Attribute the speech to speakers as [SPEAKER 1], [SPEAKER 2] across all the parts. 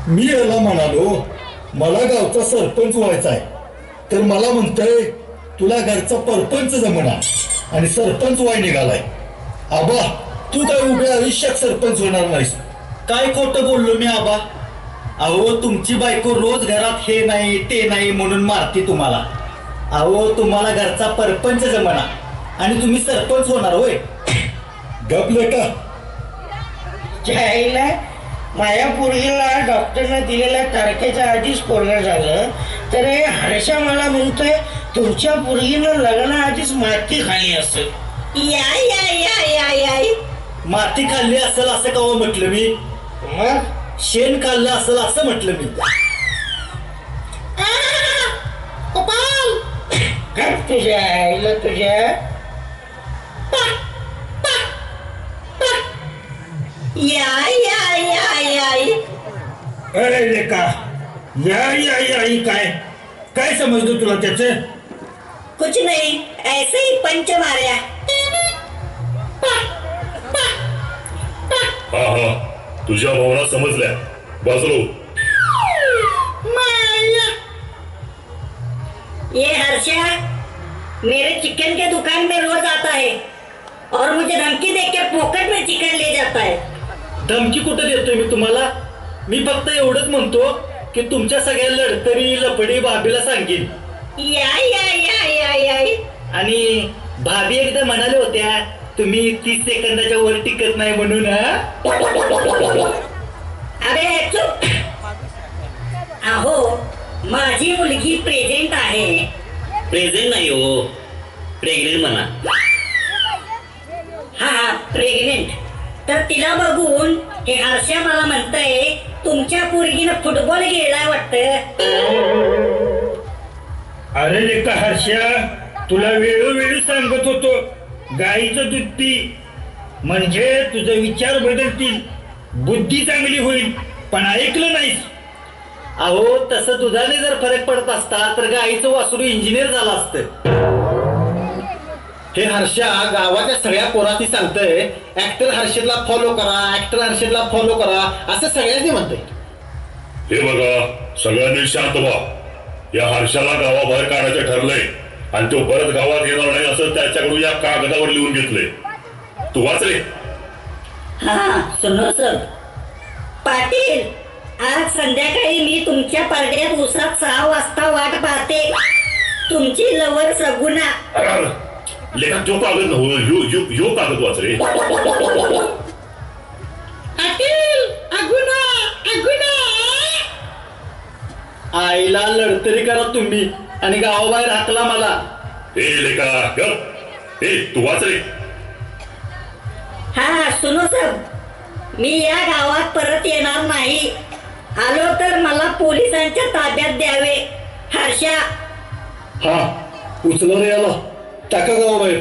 [SPEAKER 1] मी याला म्हणालो मला गावचा सरपंच व्हायचा आहे, तर मला म्हणतोय तुला घरचा परपंच जमना आणि सरपंच व्हाय निघालाय. आबा तू काय उभ्या आयुष्यात सरपंच होणार नाहीस.
[SPEAKER 2] काय खोटं बोललो मी आबा? अहो तुमची बायको रोज घरात हे नाही ते नाही म्हणून मारते तुम्हाला. अहो तुम्हाला घरचा परपंच जमना आणि तुम्ही सरपंच होणार होय?
[SPEAKER 1] गपले का?
[SPEAKER 3] त्याला माझ्या पोरगीला डॉक्टरने दिलेल्या तारखेच्या आधीच पोरगं झालं, तर हे हर्षा मला म्हणतोय तुमच्या पोरगीनं लग्नाआधीच माती खाली असेल.
[SPEAKER 4] याय याय याय याय याय
[SPEAKER 2] माती खाल्ली असेल असं कवा म्हटलं मी?
[SPEAKER 3] मग
[SPEAKER 2] शेण खाल्लं असेल असं म्हटलं मी.
[SPEAKER 3] काय तुझ्या आईला तुझ्या
[SPEAKER 4] याय याय याय याय
[SPEAKER 1] अरे लेका या काय काय समजलं तुला त्याचं?
[SPEAKER 4] कुछ नहीं, ऐसे ही पंच मारा.
[SPEAKER 5] हा हा तुझ्या भावना समजल्या. बाजलो.
[SPEAKER 4] ये हर्षा मेरे चिकन के दुकान में रोज आता है और मुझे धमकी देके पॉकेट में चिकन ले जाता है.
[SPEAKER 2] धमकी कुठं देतोय मी तुम्हाला? मी फक्त एवढंच म्हणतो की तुमच्या सगळ्या लढतरी लपडी भाभीला सांगेन.
[SPEAKER 4] याय याय याय याय याय
[SPEAKER 2] आणि भाभी एकदा म्हणाले होत्या तुम्ही 30 सेकंदाच्या वर टिकत नाही म्हणून.
[SPEAKER 4] अबे चुप. अहो माझी मुलगी प्रेझेंट आहे.
[SPEAKER 6] प्रेझेंट नाही हो, प्रेग्नेंट म्हणा.
[SPEAKER 4] हा प्रेग्नेंट. तर तिला बघून हे हर्षा मला म्हणतंय तुमच्या पोरगीनं फुटबॉल खेळलाय वाटतं.
[SPEAKER 1] अरे लेका हर्षा तुला वेळोवेळी सांगत होतो गाईचं दूध पी म्हणजे तुझे विचार बदलतील, बुद्धी चांगली होईल, पण ऐकलं नाहीस.
[SPEAKER 2] अहो तसं दुधाने जर फरक पडत असता तर गाईचं वासरू इंजिनियर झालं असतं. हे हर्षा गावाच्या सगळ्या पोरांनी सांगतंय ऍक्टर हर्षदला फॉलो करा, ऍक्टर हर्षदला फॉलो करा असं सगळ्यांनी म्हणतंय.
[SPEAKER 5] हे बघा सगळ्यांनी शांत व्हा. या हर्षाला गावाबाहेर काढायचं ठरलंय आणि तो परत गावात येणार नाही असं त्याच्याकडून या कागदावर लिहून घेतलंय. तू वाचले?
[SPEAKER 4] हा सुनो सर. पाटील आज संध्याकाळी मी तुमच्या पार्ट्यात उसात 6 वाजता वाट पाहते. तुमची लवर सगुना.
[SPEAKER 5] लेखा जो कागद नव्हतं यो कागद वाचले.
[SPEAKER 2] आईला लढतरी करा तुम्ही आणि गावाबाहेर हाकला मला.
[SPEAKER 5] हे लेखा गप. हे तू वाचले?
[SPEAKER 4] हा सुनो सर. मी या गावात परत येणार नाही. आलो तर मला पोलिसांच्या ताब्यात द्यावे. हर्षा.
[SPEAKER 2] हा उचला रे याला, टाका गावाबाहेर.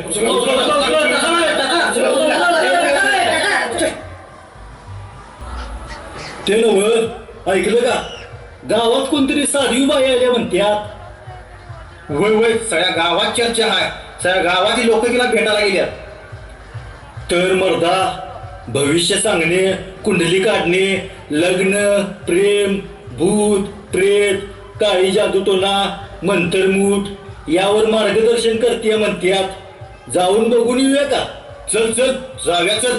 [SPEAKER 2] ते नव्ह ऐकलं का? गावात कोणतरी साधी बाई आल्या म्हणत्यात.
[SPEAKER 7] वय वय सगळ्या गावात चर्चा आहे. सगळ्या गावातील लोक तिला भेटायला गेल्यात.
[SPEAKER 2] तर मर्दा भविष्य सांगणे, कुंडली काढणे, लग्न, प्रेम, भूत, प्रेत, काळी जादूटोना, मंत्रमूठ यावर मार्गदर्शन करते म्हणत्यात. जाऊन बघून येऊया का?
[SPEAKER 7] चल चल जाऊया चल.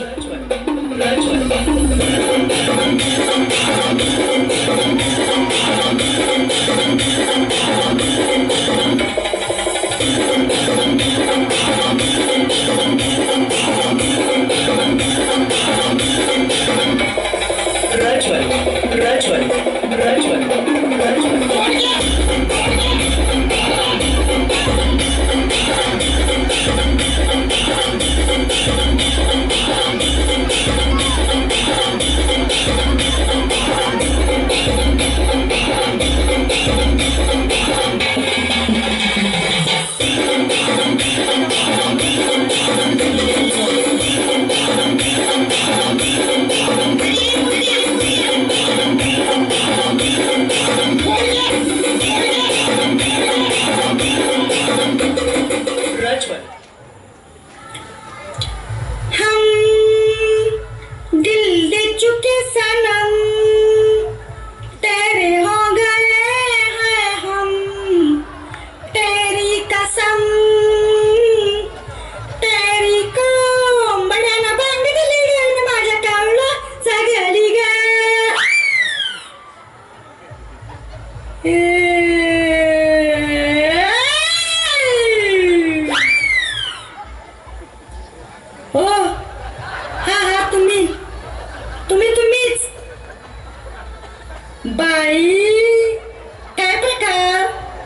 [SPEAKER 4] बाई काय प्रकार,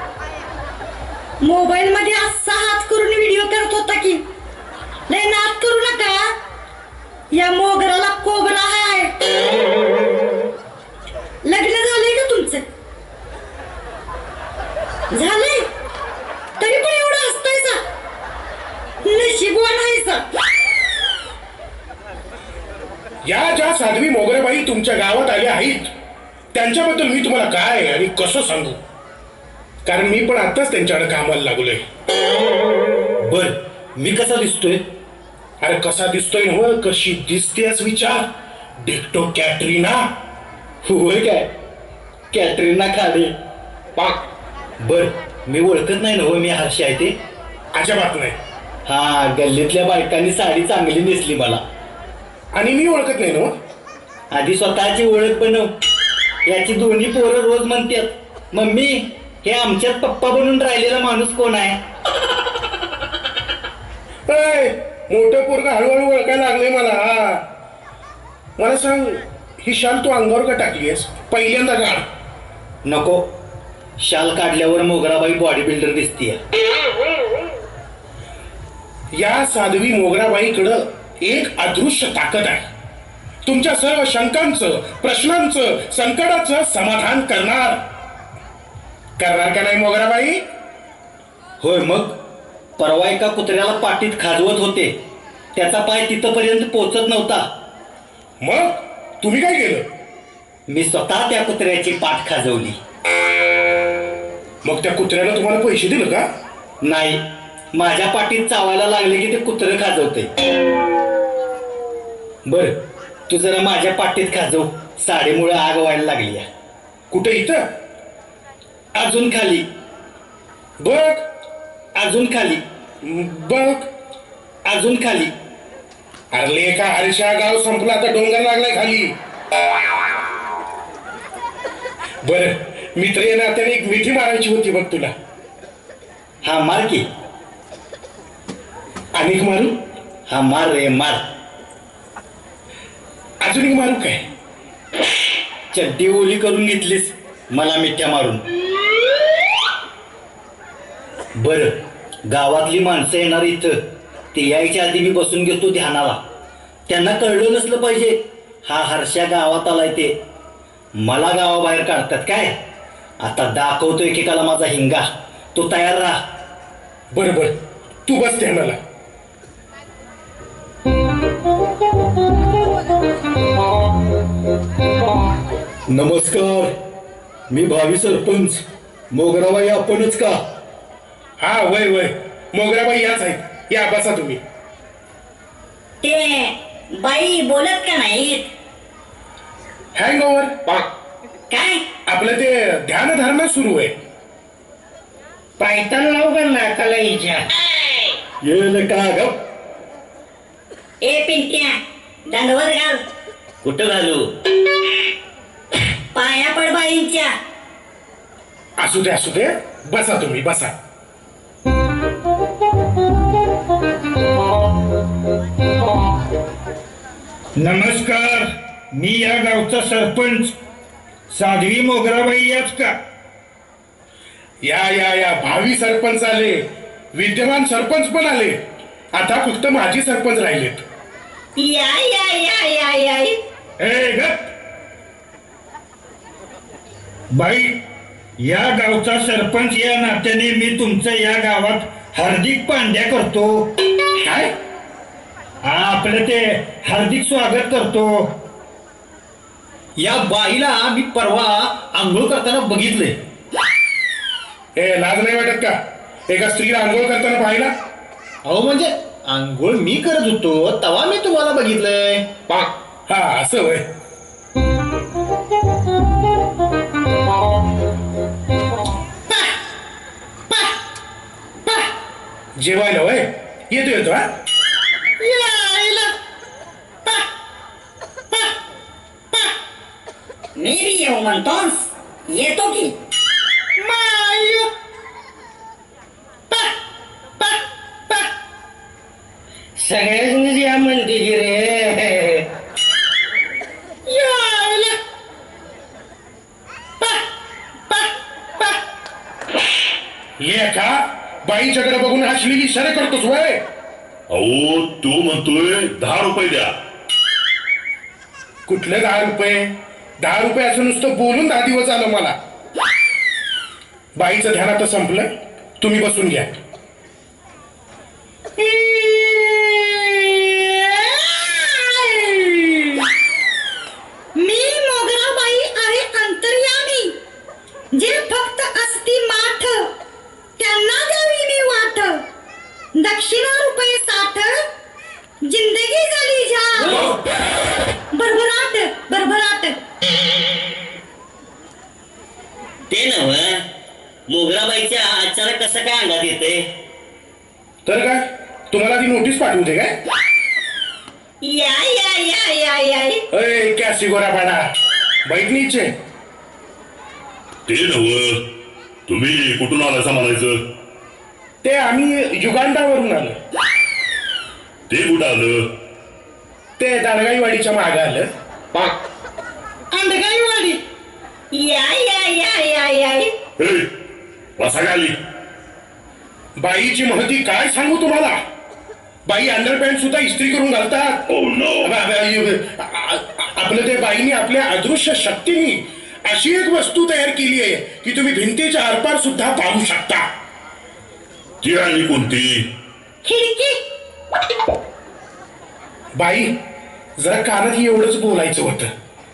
[SPEAKER 4] मोबाईल मध्ये असा हात करून व्हिडिओ करत होता की. लय नाद करू नका, या मोगराला कोबरा आहे. लग्न झालंय का तुमचं? झालंय, तरी पण एवढं हसतायचा, नशीबवान आहेसा.
[SPEAKER 8] या ज्या साध्वी मोगरेबाई तुमच्या गावात आल्या आहेत त्यांच्याबद्दल मी तुम्हाला काय आणि कसं सांगू, कारण मी पण आताच त्यांच्याकडे कामाला लागलोय.
[SPEAKER 2] बर, मी कसा दिसतोय?
[SPEAKER 8] अरे कसा दिसतोय ना, कशी दिसतेस विचार. डिक्टो कॅटरीना.
[SPEAKER 2] होय काय? कॅटरीना खाडे.
[SPEAKER 8] पाक.
[SPEAKER 2] बर, मी ओळखत नाही ना हो मी हर्षी आहे ते?
[SPEAKER 8] अजिबात नाही.
[SPEAKER 2] हा, गल्लीतल्या बायकांनी साडी चांगली नेसली मला.
[SPEAKER 8] आणि मी ओळखत नाही ना.
[SPEAKER 2] आधी स्वतःची ओळख बनव. याची दोन्ही पोरं रोज म्हणतात, मम्मी हे आमच्यात पप्पा बनून राहिलेला माणूस कोण आहे?
[SPEAKER 8] मोठं पोरगा हळूहळू ओळखायला लागले मला. मला सांग, ही शाल तू अंगावर का टाकलीस? पहिल्यांदा काढ.
[SPEAKER 2] नको, शाल काढल्यावर मोगराबाई बॉडी बिल्डर दिसतीये.
[SPEAKER 8] या साध्वी मोगराबाईकडं एक अदृश्य ताकद आहे. तुमच्या सर्व शंकांचं, प्रश्नांचं, संकटाचं समाधान करणार का नाही मोगराबाई?
[SPEAKER 2] होय, मग परवा एका कुत्र्याला पाठीत खाजवत होते, त्याचा पाय तिथपर्यंत पोहोचत नव्हता.
[SPEAKER 8] मग तुम्ही काय केलं?
[SPEAKER 2] मी स्वतः त्या कुत्र्याची पाठ खाजवली.
[SPEAKER 8] मग त्या कुत्र्याला तुम्हाला पैसे दिले का?
[SPEAKER 2] नाही, माझ्या पाठीत चावायला लागले की ते कुत्रं खाजवते. बर, तू जरा माझ्या पाठीत खाजव, साडीमुळे आग व्हायला लागली.
[SPEAKER 8] कुठे? इथं?
[SPEAKER 2] अजून खाली.
[SPEAKER 8] बघ.
[SPEAKER 2] अजून खाली.
[SPEAKER 8] बघ.
[SPEAKER 2] अजून खाली.
[SPEAKER 8] अरे का हर्षा, गाव संपला, आता डोंगर लागलाय खाली. बर, मित्र या नात्याने एक मिठी मारायची होती बघ तुला.
[SPEAKER 2] हा, मार की.
[SPEAKER 8] अनेक मारू?
[SPEAKER 2] हा, मार रे मार.
[SPEAKER 8] अजून एक मारू काय?
[SPEAKER 2] चड्डी ओली करून घेतलीस मला मिठ्या मारून. बर, गावातली माणसं येणार इथं, ते यायच्या आधी मी बसून घेतो ध्यानाला. त्यांना कळलं नसलं पाहिजे हा हर्षा गावात आलाय ते. मला गावाबाहेर काढतात काय? आता दाखवतो एकेकाला माझा हिंगा. तो तयार राहा.
[SPEAKER 8] बर, तू बस ध्यानाला.
[SPEAKER 1] नमस्कार, मी भावी सरपंच. मोगराबाई आपणच का?
[SPEAKER 8] हा, वय मोगराबाई याच आहेत. या, बसा तुम्ही.
[SPEAKER 4] ते बाई बोलत का नाहीत?
[SPEAKER 8] Hangover.
[SPEAKER 4] काय?
[SPEAKER 8] आपलं ते ध्यानधारणा सुरू आहे.
[SPEAKER 3] पायतान लाव का नाकाला हिच्या?
[SPEAKER 1] येल का ग?
[SPEAKER 4] ए पिंट्या, दंडवत घाल.
[SPEAKER 6] कुठं घालू?
[SPEAKER 4] पाया पड बाईंच्या.
[SPEAKER 8] असू दे, बसा तुम्ही, बसा.
[SPEAKER 1] नमस्कार, मी या गावचा सरपंच. साध्वी मोगराबाई याच का?
[SPEAKER 8] या भावी सरपंच आले, विद्यमान सरपंच पण आले, आता फक्त माजी सरपंच राहिलेत.
[SPEAKER 4] या या या या या.
[SPEAKER 1] ए गप बाई, या गावचा सरपंच या नात्याने मी तुमचं या गावात हार्दिक पांड्या करतो.
[SPEAKER 8] काय?
[SPEAKER 1] हा, आपलं ते हार्दिक स्वागत करतो.
[SPEAKER 2] या बाईला मी परवा आंघोळ करताना बघितले.
[SPEAKER 8] हे लाज नाही वाटत का? एका स्त्रीला आंघोळ करताना पाहिला?
[SPEAKER 2] अहो, म्हणजे आंघोळ मी करत होतो तेव्हा मी तुम्हाला बघितलंय.
[SPEAKER 8] हा, असं होय. जेवायला होय? येतो हा.
[SPEAKER 4] मी बी येऊ म्हणतोस? येतो की.
[SPEAKER 3] सगळ्यांनीच या म्हणते की रे.
[SPEAKER 8] ये का बाईच्याकडे बघून हसलेली इशारे करतोस वय?
[SPEAKER 5] अहो तू म्हणतोय 10 रुपये द्या.
[SPEAKER 8] कुठले 10 रुपये? 10 रुपये असं नुसतं बोलून 10 दिवस आलं मला. बाईचं ध्यान आता संपलं, तुम्ही बसून घ्या.
[SPEAKER 4] मी मोगराबाई आहे अंतर्यामी, जे फक्त असती माठ त्यांना द्यावी मी वाट. दक्षिणा रुपये 60, जिंदगी झाली झाट. भरभराट भरभराट.
[SPEAKER 6] ते नव मोगराबाईच्या अचानक कसं काय अंगात येते?
[SPEAKER 8] तर काय तुम्हाला ती नोटीस पाठवू दे काय?
[SPEAKER 4] या या या या या.
[SPEAKER 8] अय कॅसी गोरापाडा बैठ नीचे.
[SPEAKER 5] ते नव तुम्ही कुठून आलासा म्हणायचं?
[SPEAKER 8] ते आम्ही युगांडावरून आलो.
[SPEAKER 5] ते कुठं आलं?
[SPEAKER 8] ते दारगाईवाडीच्या मागे आलं.
[SPEAKER 3] अंडगाईवाडी.
[SPEAKER 4] या या या या या.
[SPEAKER 5] हे बसा खाली.
[SPEAKER 8] बाईची महती काय सांगू तुम्हाला? बाई अंडरपॅन्ट सुद्धा इस्त्री करून घालतात.
[SPEAKER 5] Oh no.
[SPEAKER 8] आपलं ते बाईने आपल्या अदृश्य शक्तीने अशी एक वस्तू तयार केली आहे की तुम्ही भिंतीच्या आरपार सुद्धा पाहू शकता.
[SPEAKER 5] ती आणि कोणती?
[SPEAKER 4] खिडकी.
[SPEAKER 8] बाई जरा कानात एवढंच बोलायचं होतं.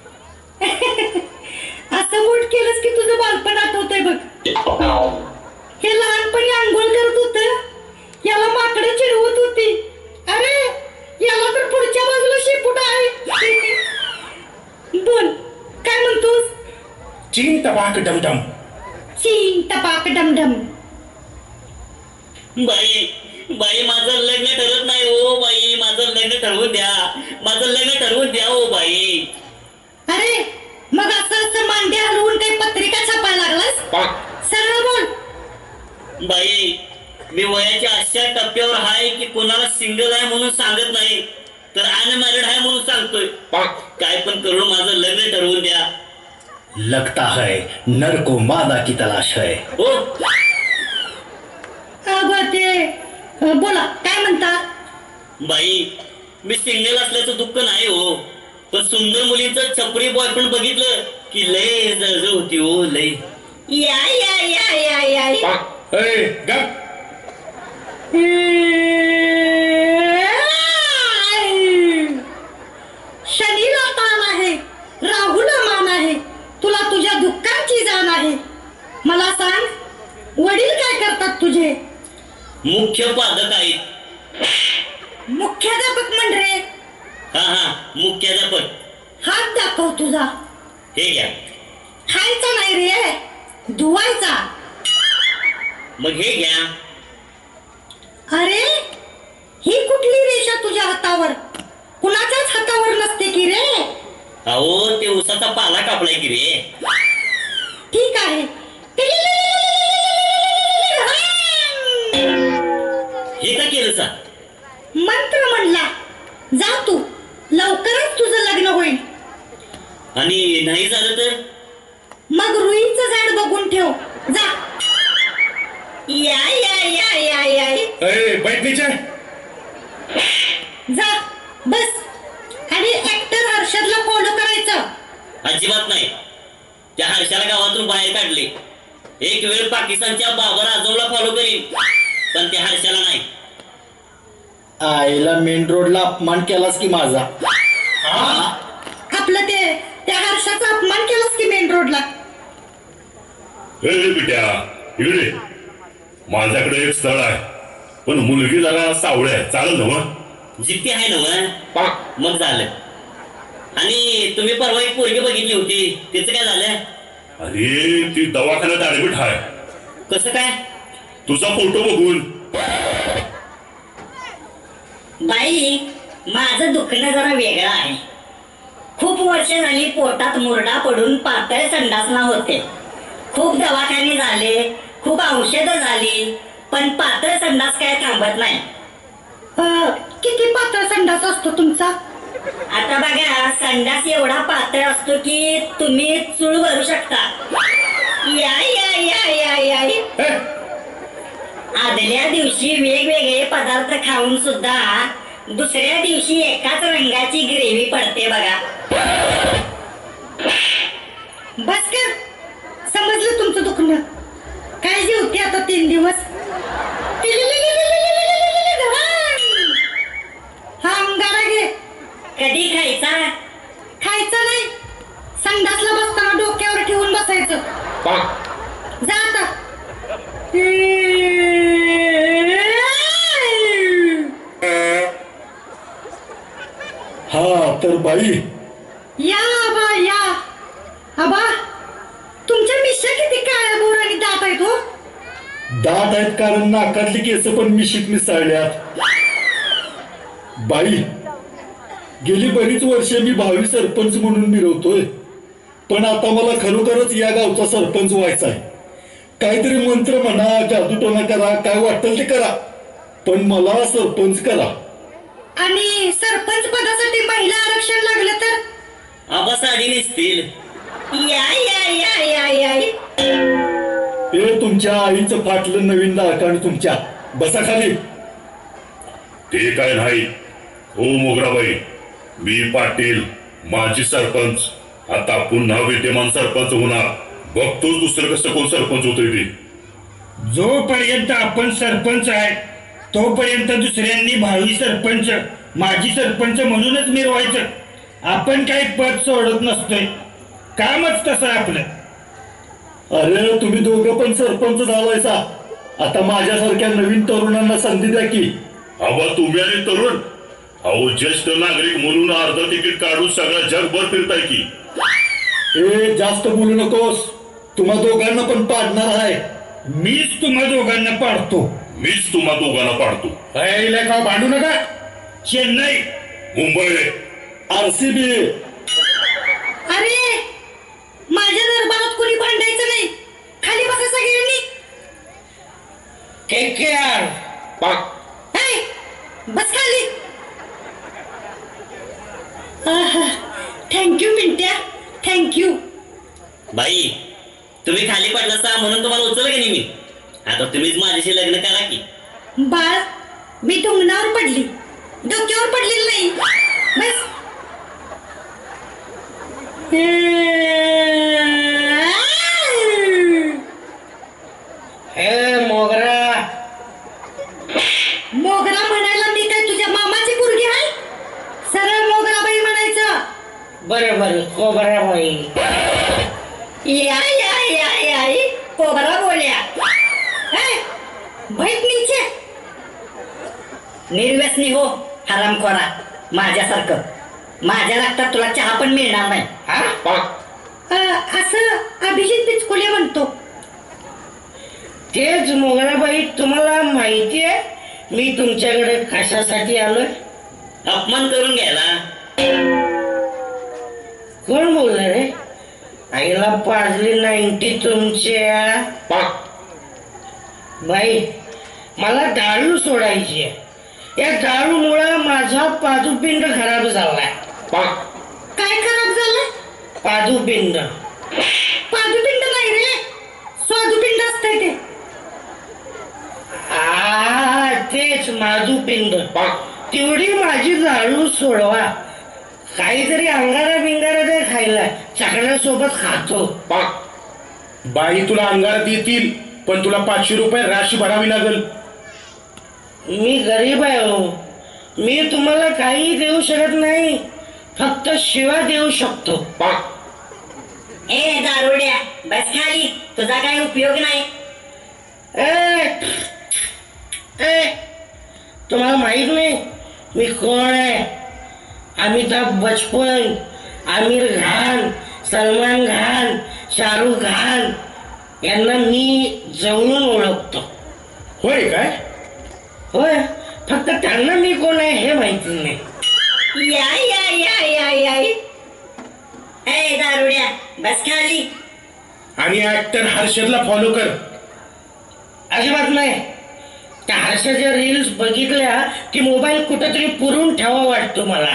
[SPEAKER 4] असं बोट केलंस की तुझं बालपण आठवतंय बघ. हे लहानपणी आंघोळ करत होत, याला माकडं चिडवत होती. अरे याला तर पुढच्या बाजूला शेपूट आहे. बोल काय म्हणतोस?
[SPEAKER 8] चीन टपाक डमडम.
[SPEAKER 4] चीन टपाक डमडम.
[SPEAKER 6] बाई बाई माझं लग्न ठरत नाही हो बाई. माझं लग्न ठरवून द्या. माझं लग्न ठरवून द्या हो बाई.
[SPEAKER 4] अरे मग असं मांडे हलवून काही पत्रिका छापायला लागलास? सरळ बोल.
[SPEAKER 6] बाई मी वयाच्या अशा टप्प्यावर आहे की कोणाला सिंगल आहे म्हणून सांगत नाही, तर अनमॅरिड आहे म्हणून सांगतोय. काय पण करून माझं लग्न ठरवून द्या.
[SPEAKER 2] लगता है नर को मादा की तलाश है.
[SPEAKER 6] हो
[SPEAKER 4] ते बोला काय म्हणता?
[SPEAKER 6] बाई मी सिंगल असल्याचं दुःख नाही हो, पण सुंदर मुलींचं छपरी बॉयफ्रेंड बघितलं की लय जळजळ होती हो लय.
[SPEAKER 4] या या या या या.
[SPEAKER 8] अय गप.
[SPEAKER 4] शनीला ताण आहे, राहूला मान आहे, तुला तुझ्या दुःखांची जाण आहे. मला सांग वडील काय करतात तुझे?
[SPEAKER 6] मुख्य पादक आहेत.
[SPEAKER 4] मुख्याध्यापक म्हण रे.
[SPEAKER 6] हा मुख्याध्यापक.
[SPEAKER 4] हात दाखव तुझा.
[SPEAKER 6] हे घ्या.
[SPEAKER 4] खायचा नाही रे, धुवायचा.
[SPEAKER 6] मग हे घ्या.
[SPEAKER 4] अरे ही कुठली रेषा तुझ्या हातावर? कुणाच्याच हातावर नसते की रे.
[SPEAKER 6] अहो ते उसाचा पाला कापलाय की रे.
[SPEAKER 4] ठीक आहे.
[SPEAKER 6] हे का केलं सा?
[SPEAKER 4] मंत्र म्हणला. जा तू, लवकरच तुझं लग्न होईल.
[SPEAKER 6] आणि नाही झालं तर?
[SPEAKER 4] मग रुईचं झाड बघून ठेव. जा. या या या या या.
[SPEAKER 8] अय बैठ नीचे.
[SPEAKER 4] जा बस. आणि ऍक्टर हर्षदला फॉलो करायचं.
[SPEAKER 6] अजिबात नाही. त्या हर्षाला गावातून बाहेर काढले. एक वेळ पाकिस्तानच्या बाबर आझमला फॉलो करीन, पण त्या हर्षाला नाही.
[SPEAKER 2] आईला मेन रोडला अपमान केलास की माझा.
[SPEAKER 4] आपलं ते त्या हर्षाचा अपमान केलास की मेन रोडला.
[SPEAKER 5] हे बिट्या इकडे. माझ्याकडे एक स्थळ आहे, पण मुलगी जरा सावळी आहे. चालेल ना मग?
[SPEAKER 6] जिद्दी आहे ना मग झालं. आणि तुम्ही परवा एक पोरगी बघितली होती, त्याचं काय झालं?
[SPEAKER 5] अरे ती दवाखान्यात ऍडमिट आहे.
[SPEAKER 6] कसं काय?
[SPEAKER 5] तुझा फोटो बघून.
[SPEAKER 4] बाई माझं दुखणं जरा वेगळं आहे. खूप वर्ष झाली पोटात मुरडा पडून पातळ संडासना होते. खूप दवाखाने झाले, खूप औषधं झाली, पण पातळ संडास काय थांबत नाही. किती पातळ संडास असतो तुमचा? आता बघा, संडास एवढा पातळ असतो की तुम्ही चूळ भरू शकता. या या या या या. खाऊन सुद्धा दुसऱ्या दिवशी एकाच रंगाची ग्रेव्ही पडते बघा. बस कर, समजलं तुमचं दुखणं. काय जेवते आता 3 दिवस. हा अंगारा घे. कधी खायचा? खायचा नाही, संडासला बसताना डोक्यावर ठेवून बसायचं. जा आता.
[SPEAKER 1] हा तर बाई,
[SPEAKER 4] या आबा या. आबा, तुमच्या मिशा किती काळ्या बोर आणि दात आहेत हो.
[SPEAKER 1] दात आहेत कारण नाकातली केस पण मिशीत मिसळल्यात. बाई, गेली बरीच वर्षे मी भावी सरपंच म्हणून मिरवतोय, पण आता मला खरोखरच या गावचा सरपंच व्हायचा आहे. काहीतरी मंत्र म्हणा, जादूटोना करा, काय वाटेल ते करा, पण मला सरपंच करा.
[SPEAKER 4] आणि सरपंच पदासाठी महिला आरक्षण लागलं तर?
[SPEAKER 6] आबा साडी नेसतील.
[SPEAKER 4] या या या या या.
[SPEAKER 1] हे तुमच्या आईचं फाटलं नवीन दाळकाण तुमच्या. बसा खाली.
[SPEAKER 5] ते काय नाही हो मोगराबाई, मी पाटील माजी सरपंच आता पुन्हा विद्यमान सरपंच होणार. बघतोच दुसरं कसं कोण सरपंच होतोय ते.
[SPEAKER 3] जोपर्यंत आपण सरपंच आहे तोपर्यंत दुसऱ्यांनी भावी सरपंच, माजी सरपंच म्हणूनच मिरवायचं. आपण काही पद सोडत नसतोय, कामच तसं आपलं.
[SPEAKER 1] अरे तुम्ही दोघं पण सरपंच झालायसा, आता माझ्यासारख्या नवीन तरुणांना संधी द्या की.
[SPEAKER 5] आबा तुम्ही आणि तरुण, अहो ज्येष्ठ नागरिक म्हणून अर्ध तिकीट काढून सगळ्या जगभर फिरताय की.
[SPEAKER 1] ए जास्त बोलू नकोस, तुम्हा दोघांना पण पाडणार आहे.
[SPEAKER 3] मीच तुम्हा दोघांना पाडतो.
[SPEAKER 5] मीच तुम्हा दोघांना पाडतो.
[SPEAKER 8] का भांडू नका.
[SPEAKER 3] चेन्नई,
[SPEAKER 5] मुंबई,
[SPEAKER 1] RCB.
[SPEAKER 4] अरे, माझ्या दरबारात कोणी भांडायचं नाही. खाली बसा सगळ्यांनी.
[SPEAKER 3] KKR.
[SPEAKER 4] हे, बस खाली. Thank you Mintya, thank you.
[SPEAKER 6] बाई, तुम्ही खाली पडलासा म्हणून तुम्हाला उचललं की नाही मी. आता तुम्हीच माझ्याशी लग्न करा की.
[SPEAKER 4] बाळ, मी डोंगरावर पडली, डोक्यावर पडलेली नाही. बस.
[SPEAKER 3] हे मोगरा.
[SPEAKER 4] मोगरा म्हणायला मी काय तुझ्या मामाची पोरगी आहे? सरळ मोगराबाई म्हणायचं.
[SPEAKER 3] बरं बरं, कोबराबाई.
[SPEAKER 4] या या या या, कोबरा बोल्या. बैठ नीचे. निर्व्यसनी हो हरामखोरा, माझ्यासारखं. माझ्या रक्तात तुला चहा पण मिळणार नाही. असं अभिजित बिचकुले म्हणतो.
[SPEAKER 3] तेच मोगराबाई, तुम्हाला माहिती आहे मी तुमच्याकडे कशासाठी आलोय?
[SPEAKER 6] अपमान करून घ्यायला.
[SPEAKER 3] कोण बोलणार रे? आईला पाजली 90 तुमच्या. बाई, मला दारू सोडायची आहे. या दारूमुळे माझा पादुपिंड खराब झालाय.
[SPEAKER 4] काय खराब झालं?
[SPEAKER 3] पादुपिंड.
[SPEAKER 4] पादुपिंड नाही रे, स्वादुपिंड असतंय ते.
[SPEAKER 3] तेच माधुपिंड. तेवढी माझी दारू सोडवा. काहीतरी अंगारा बिंगारा दे खायला, चकण्यासोबत खातो.
[SPEAKER 8] बाई तुला अंगारात येतील, पण तुला 500 रुपये राशी भरावी लागेल.
[SPEAKER 3] मी गरीब आहे हो. मी तुम्हाला काही देऊ शकत नाही, फक्त शिवा देऊ शकतो.
[SPEAKER 4] ए दारुड्या, बस खाली, तुझा काय उपयोग नाही.
[SPEAKER 3] तुम्हाला माहित नाही मी कोण आहे? अमिताभ बच्चन, आमिर खान, सलमान खान, शाहरुख खान यांना मी जवळून ओळखतो.
[SPEAKER 8] होय काय?
[SPEAKER 3] होय, फक्त त्यांना मी कोण आहे हे माहिती नाही.
[SPEAKER 4] या या या या या. ए दारुड्या, बस खाली.
[SPEAKER 8] आणि ऍक्टर हर्षदला फॉलो कर.
[SPEAKER 3] अजिबात नाही. त्या हर्षाच्या रील्स बघितल्या की मोबाईल कुठेतरी पुरून ठेवा वाटतो मला.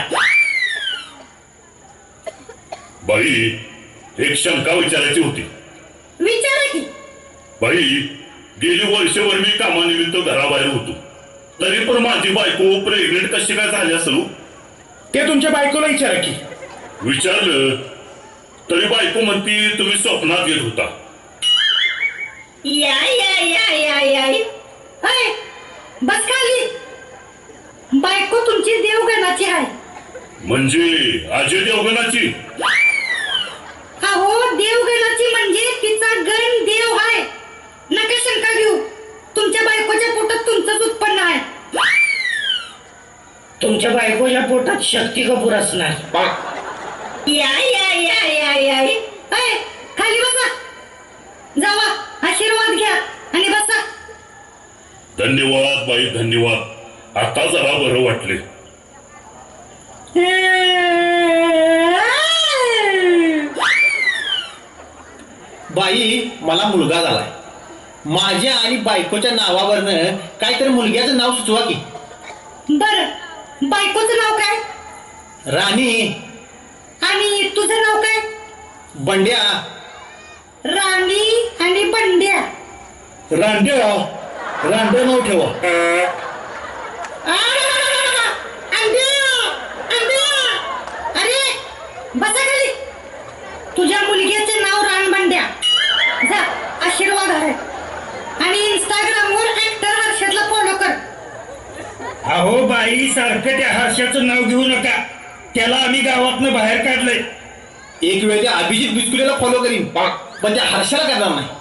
[SPEAKER 5] बाई एक शंका विचारायची होती.
[SPEAKER 4] विचारा की.
[SPEAKER 5] बाई गेली वर्षभर मी कामानिमित्त घराबाहेर होतो. तरी पण माझी बायको प्रेग्नेंट कशी काय झाली असेल?
[SPEAKER 8] ते तुमच्या बायकोला विचारा की.
[SPEAKER 5] विचारलं तरी बायको म्हणती तुम्ही स्वप्नात येत होता.
[SPEAKER 4] या या या या या अय, बस खाली. बायको तुमची देवगणाची आहे.
[SPEAKER 5] म्हणजे अजय देवगणाची?
[SPEAKER 4] अहो देवगणाची म्हणजे तिचा गण देव आहे. नका शंका घेऊ. तुमच्या बायकोच्या पोटात तुमचंच उत्पन्न आहे.
[SPEAKER 3] तुमच्या बायकोच्या पोटात शक्ती कपूर असणार.
[SPEAKER 4] या या या या या अय, खाली बसा. जावा आशीर्वाद घ्या आणि बसा.
[SPEAKER 5] धन्यवाद बाई, धन्यवाद. आता जरा बरं वाटले.
[SPEAKER 2] बाई मला मुलगा झालाय. माझ्या आणि बायकोच्या नावावरनं काहीतरी मुलग्याचं नाव सुचवा की.
[SPEAKER 4] बर, बायकोचं नाव काय?
[SPEAKER 2] राणी.
[SPEAKER 4] आणि तुझं नाव काय?
[SPEAKER 2] बंड्या.
[SPEAKER 4] राणी आणि बंड्या.
[SPEAKER 1] रांड्या नाव ठेवा.
[SPEAKER 4] अरे बसा खाली. तुझ्या मुलग्याचे नाव रानबंड्या. जा, आशीर्वाद आहे. आणि इंस्टाग्रामवर ऍक्टर हर्षदला फॉलो कर.
[SPEAKER 3] अहो बाई, सारखं त्या हर्षाचं नाव घेऊ नका. त्याला आम्ही गावातनं बाहेर काढलंय.
[SPEAKER 2] एक वेळ त्या अभिजित बिस्कुलेला फॉलो करीन, पण त्या हर्षाला करणार नाही.